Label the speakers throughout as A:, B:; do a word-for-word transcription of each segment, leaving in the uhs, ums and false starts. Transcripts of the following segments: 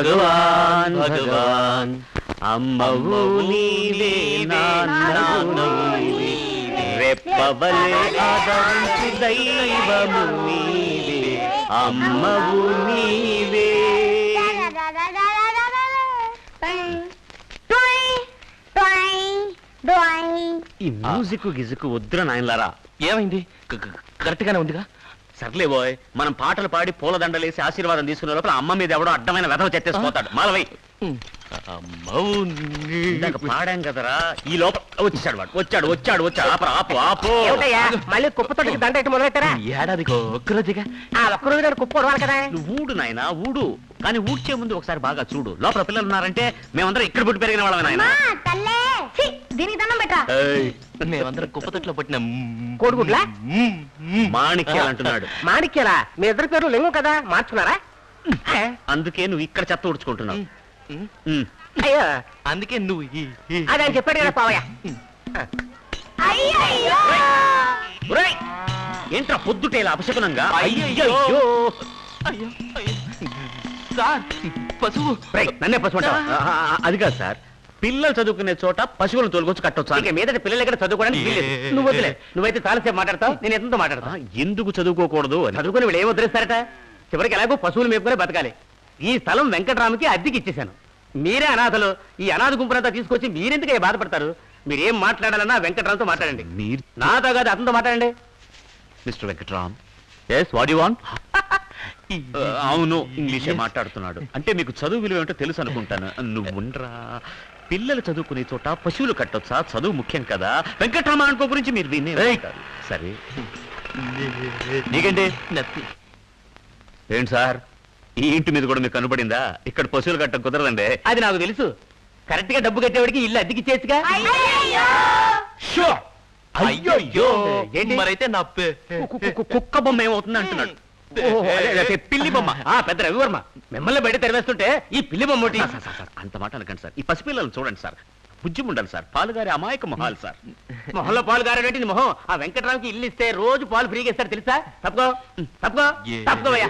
A: భగవాన్ భగవాన్ అమ్మవు నీవే నాన్నవు రెప్పవలే ఆదరించు దైవము నీవే అమ్మవు నీవే. ఈ మ్యూజిక్ గిజుకు వద్దురా నాయనలారా.
B: ఏమైంది? కరెక్ట్ గానే ఉందిగా.
A: సర్లే బోయ్, మనం పాటలు పాడి పూలదండలేసి ఆశీర్వాదం తీసుకునే లోపల అమ్మ మీద ఎవడో అడ్డమైన వెధవ చెత్తేసిపోతాడు. మాలవై ఇందాక పాడాం కదరా, ఈ లోపల వచ్చాడు వాడు. వచ్చాడు వచ్చాడు వచ్చాడు ఆపరా ఆపు ఆపు.
C: మళ్ళీ కుప్పతోటికి దండ ఎట్టి మొదలెట్టారా?
B: ఏడాదికి ఒక్కరోజుగా.
C: ఆ ఒక్కరోజు కుప్ప ఉడవాలి కదా.
A: నువ్వు ఊడు నాయనా ఊడు, కానీ ఊడ్చే ముందు ఒకసారి బాగా చూడు. లోపల పిల్లలు ఉన్నారంటే మేమందరం ఇక్కడ పుట్టి పెరిగిన వాళ్ళమే నాయన.
D: దీనికి దండం పెట్టా.
B: మేమందరం కుప్పతొట్లో పట్టిన
C: కోడిగుడ్లా
A: మాణిక్యాలు అంటున్నాడు.
C: మాణిక్యాలా? మీ ఇద్దరు పేర్లు లింగం కదా, మార్చుకున్నారా?
A: అందుకే నువ్వు ఇక్కడ చెత్త ఊడ్చుకుంటున్నావు.
C: అయ్యో
B: అందుకే నువ్వు
C: అదే అని చెప్పాడు కదా పావయ్య.
A: ఒరేయ్, ఏంట్రా పొద్దుటేలా అపశకునంగా?
B: అయ్యయ్యో.
A: అయ్యో
B: సార్ పశువు.
A: నన్నే పశువు అంటావా? అది కాదు సార్, పిల్లలు చదువుకునే చోట పశువులను తోలుకొచ్చి కట్టొచ్చు.
C: ఇక మీదట పిల్లలు ఎక్కడ చదువుకోవడానికి వీల్లేదు. నువ్వు వదిలే, నువ్వైతే చాలాసేపు మాట్లాడతావు, నేను ఎంతో మాట్లాడతా.
A: ఎందుకు చదువుకోకూడదు అని
C: చదువుకుని వీళ్ళు ఏం వదిలేస్తారట? చివరికి ఎలాగో పశువులు మేపుకునే బతకాలి. ఈ స్థలం వెంకటరామకి అద్దెకి ఇచ్చేశాను. మీరే అనాథలు. ఈ అనాథ గుంపునంతా తీసుకొచ్చి మీరెందుకు బాధపడతారు? మీరేం మాట్లాడాలన్నా వెంకటరామ్తో మాట్లాడండి.
A: మీరు
C: నాతో కాదు, అతనితో మాట్లాడండి.
A: Mister Venkatram. Yes what you want? అవును, ఇంగ్లీషే మాట్లాడుతున్నాడు. అంటే మీకు చదువు విలువ ఏమిటో తెలుసు అనుకుంటాను. నువ్వు ఉండరా, పిల్లలు చదువుకునే చోట పశువులు కట్టొచ్చా? చదువు ముఖ్యం కదా. వెంకట్రామ అనుకో గురించి మీరు వినే ఉంటారు. సరే నీకండి ఏంటి సార్, ఈ ఇంటి మీద కూడా మీకు కనబడిందా? ఇక్కడ పశువులు కట్ట కుదరదండి.
C: అది నాకు తెలుసు. కరెక్ట్ గా డబ్బు కట్టేవాడికి ఇల్లు అద్దెకి చేసిగా.
B: అయ్యో
C: ఏంటి?
B: మరైతే నా
A: కుక్క బొమ్మ ఏమవుతుంది అంటున్నాడు.
C: పిల్లి బొమ్మ. ఆ పెద్ద రవివర్మ మిమ్మల్ని బయట తెరవేస్తుంటే ఈ పిల్లి బొమ్మ ఒకటి.
A: అంత మాట అనకండి సార్. ఈ పసిపిల్లలను చూడండి సార్, బుజ్జి ఉండాలి సార్. పాలుగారి అమాయక మొహాలు సార్.
C: మొహంలో పాలు గారేటి మొహం. ఆ వెంకటరామ్కి ఇల్లు ఇస్తే రోజు పాలు ఫ్రీగా ఇస్తారు తెలుసా? తప్పుకో తప్పుకో తప్పుకోవయ్యా.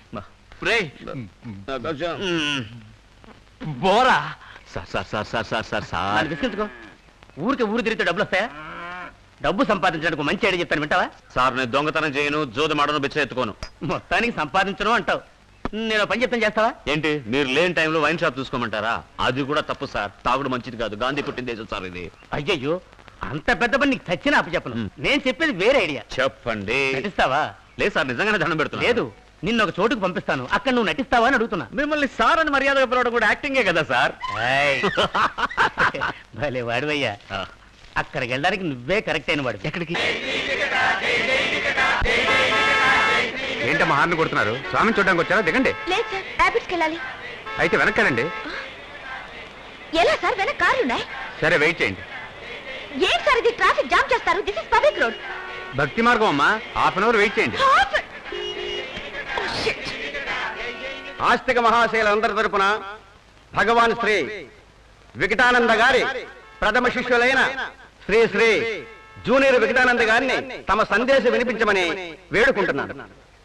B: బోరా
A: sir sir sir sir sir sir sir
C: విసిగించుకో. ఊరికి ఊరు తిరిగితే డబ్బులు వస్తాయా? డబ్బు సంపాదించడానికి మంచి ఐడియా చెప్పాను, వింటావా?
A: సార్ నేను దొంగతనం చేయను, జోది మాడను, బిచ్చ ఎత్తుకోను.
C: మొత్తానికి సంపాదించను అంటావు. నేను పని చెప్తాను, చేస్తావా?
A: ఏంటి మీరు లేని టైంలో వైన్ షాప్ చూసుకోమంటారా? అది కూడా తప్పు సార్. తాగుడు మంచిది కాదు. గాంధీ పుట్టిన దేశం సార్ ఇది.
C: అయ్యయ్యో, అంత పెద్ద పని నీకు చచ్చిన అప్పు చెప్పను. నేను చెప్పేది వేరే ఐడియా.
A: చెప్పండి.
C: నటిస్తావా?
A: లేదు సార్, నిజంగానే దండం పెడుతున్నా.
C: లేదు, నిన్న ఒక చోటుకు పంపిస్తాను, అక్కడ నువ్వు నటిస్తావా అని అడుగుతున్నా.
A: మిమ్మల్ని సార్ అని మర్యాదగా పిలవడం కూడా యాక్టింగే కదా సార్.
C: భలే వాడివయ్యా. అక్కడికి వెళ్ళడానికి నువ్వే కరెక్ట్ అయిన వాడు.
A: ఎక్కడికి?
E: ఏంటమ్మా హార్న్ కొడుతున్నారు? స్వామిని చూడడానికి వచ్చారా? దిగండి.
D: లేదు సార్, ర్యాపిడ్స్కి వెళ్ళాలి.
E: అయితే వెనక్కానండి.
D: ఎలా సార్, వెనక కార్లు ఉన్నాయి.
E: సరే వెయిట్ చేయండి.
D: ఏం సార్ ఇది, ట్రాఫిక్ జామ్ చేస్తారు. This is public road.
E: భక్తి మార్గం అమ్మా, హాఫ్ అన్ అవర్ వెయిట్ చేయండి. ఆస్తిక మహాశైలందరి తరపున భగవాన్ శ్రీ వికటానంద గారి ప్రథమ శిష్యులైన శ్రీ శ్రీ జూనియర్ వికటానంద గారిని తమ సందేశం వినిపించమని వేడుకుంటున్నాను.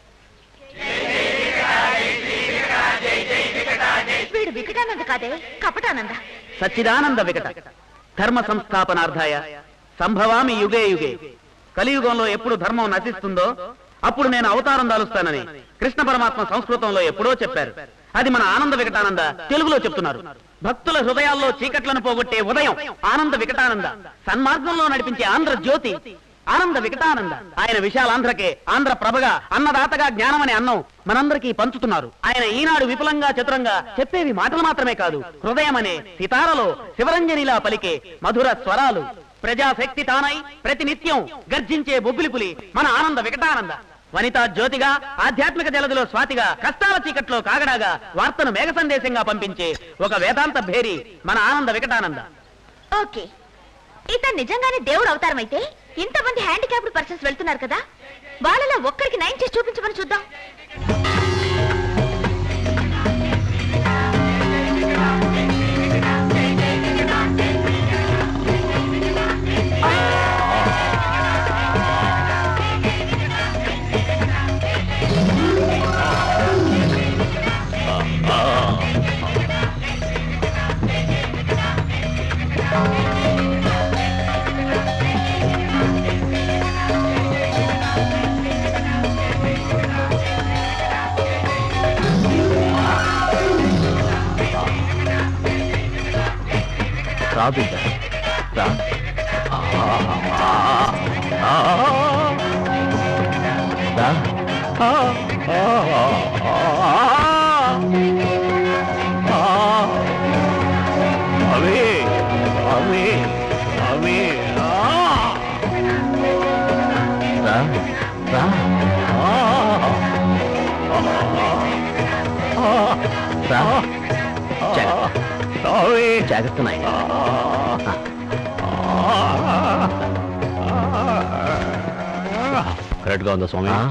D: వీడు వికటానంద కాదే, కపటానంద.
C: సచ్చిదానంద వికట ధర్మ సంస్థాపనార్థాయ సంభవామి యుగే యుగే. కలియుగంలో ఎప్పుడు ధర్మం నశిస్తుందో అప్పుడు నేను అవతారం దాలుస్తానని కృష్ణ పరమాత్మ సంస్కృతంలో ఎప్పుడో చెప్పారు. అది మన ఆనంద వికటానంద తెలుగులో చెప్తున్నారు. భక్తుల హృదయాల్లో చీకట్లను పోగొట్టే ఉదయం ఆనంద వికటానంద, సన్మార్గంలో నడిపించే ఆంధ్ర జ్యోతి ఆనంద వికటానంద. ఆయన విశాలాంధ్రకే ఆంధ్ర ప్రభగా అన్నదాతగా జ్ఞానం అనే అన్నం మనందరికీ పంచుతున్నారు. ఆయన ఈనాడు విపులంగా చతురంగా చెప్పేవి మాటలు మాత్రమే కాదు, హృదయం అనే సితారలో శివరంజనిలా పలికే మధుర స్వరాలు. ప్రజాశక్తి తానై ప్రతినిత్యం గర్జించే బొబ్బిలిపులి మన ఆనంద వికటానంద. వనితా జ్యోతిగా, ఆధ్యాత్మిక జలదిలో స్వాతిగా, కష్టాల చీకట్లో కాగడాగా, వార్తను మేఘ సందేశంగా పంపించే ఒక వేదాంత భేరి మన ఆనంద వికటానంద.
D: ఓకే, ఇతను నిజంగానే దేవుడు అవతారం అయితే ఇంతమంది హ్యాండిక్యాప్డ్ పర్సన్స్ వెళ్తున్నారు కదా, వాళ్ళలో ఒక్కరికి నయం చేసి చూపించమని చూద్దాం.
A: రా బిడ్డ రా రా అవే అవే అవే రా రా రా జాగ్రత్త నాయన కరెక్ట్గా ఉందా స్వామి